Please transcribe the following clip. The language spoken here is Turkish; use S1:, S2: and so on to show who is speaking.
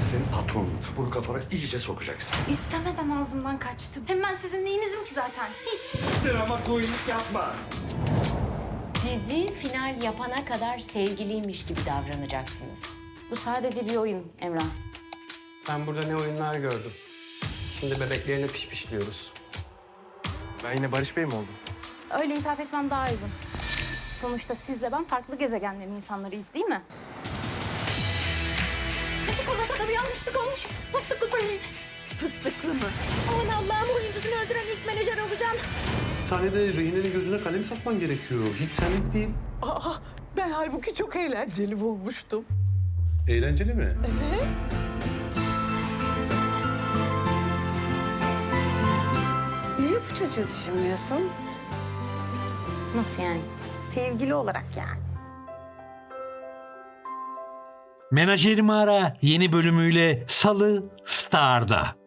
S1: senin patronun. Bunu kafana iyice sokacaksın.
S2: İstemeden ağzımdan kaçtım. Hem ben sizin neyinizim ki zaten? Hiç.
S1: Drama koyunluk yapma.
S3: Dizi final yapana kadar sevgiliymiş gibi davranacaksınız.
S2: Bu sadece bir oyun Emrah.
S4: Ben burada ne oyunlar gördüm. Şimdi bebeklerine pişpişliyoruz.
S5: Ben yine Barış Bey mi oldum?
S2: Öyle hitap etmem daha uygun. Sonuçta sizle ben farklı gezegenlerin insanlarıyız değil mi? Çikolatada bir yanlışlık olmuş. Fıstıklı peynir.
S3: Fıstıklı mı? Aman Allah'ım, oyuncusunu öldüren ilk menajer olacağım.
S6: Sahnede rehinenin gözüne kalem sokman gerekiyor. Hiç senlik değil.
S7: Aa, ben halbuki çok eğlenceli bulmuştum.
S6: Eğlenceli mi?
S7: Evet.
S8: Niye bu çocuğu düşünmüyorsun?
S2: Nasıl yani?
S8: Sevgili olarak yani.
S9: Menajerimi Ara yeni bölümüyle Salı Star'da.